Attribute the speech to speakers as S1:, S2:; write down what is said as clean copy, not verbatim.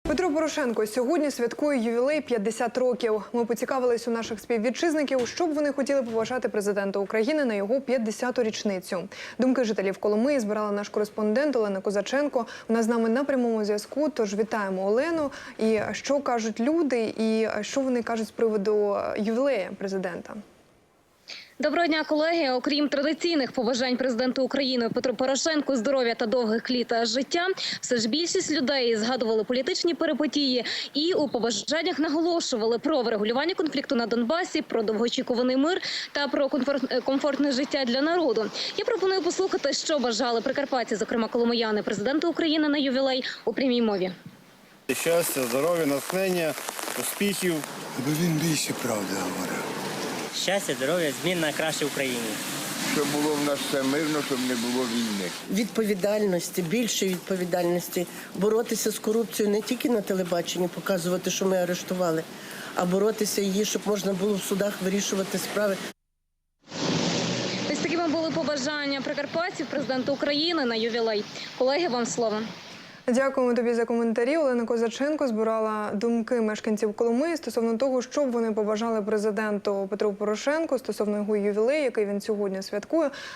S1: Петро Порошенко сьогодні святкує ювілей 50 років. Ми поцікавились у наших співвітчизників, що б вони хотіли побажати президенту України на його 50-ту річницю. Думки жителів Коломиї збирала наш кореспондент Олена Козаченко. Вона з нами на прямому зв'язку, тож вітаємо Олену. І що кажуть люди, і що вони кажуть з приводу ювілею президента?
S2: Доброго дня, колеги. Окрім традиційних побажань президенту України Петру Порошенку, здоров'я та довгих літ життя, все ж більшість людей згадували політичні перипетії і у побажаннях наголошували про врегулювання конфлікту на Донбасі, про довгоочікуваний мир та про комфортне життя для народу. Я пропоную послухати, що бажали прикарпатці, зокрема коломияни, президенту України на ювілей у прямій мові.
S3: Щастя, здоров'я, натхнення, успіхів.
S4: Аби він більше правди говорив.
S5: Щастя, здоров'я, змін на краще в Україні.
S6: Щоб було в нас все мирно, щоб не було війни.
S7: Відповідальності, більшої відповідальності, боротися з корупцією не тільки на телебаченні, показувати, що ми арештували, а боротися її, щоб можна було в судах вирішувати справи.
S2: Ось такими були побажання прикарпатців президенту України на ювілей. Колеги, вам слово.
S1: Дякуємо тобі за коментарі. Олена Козаченко збирала думки мешканців Коломиї стосовно того, що б вони побажали президенту Петру Порошенку стосовно його ювілею, який він сьогодні святкує.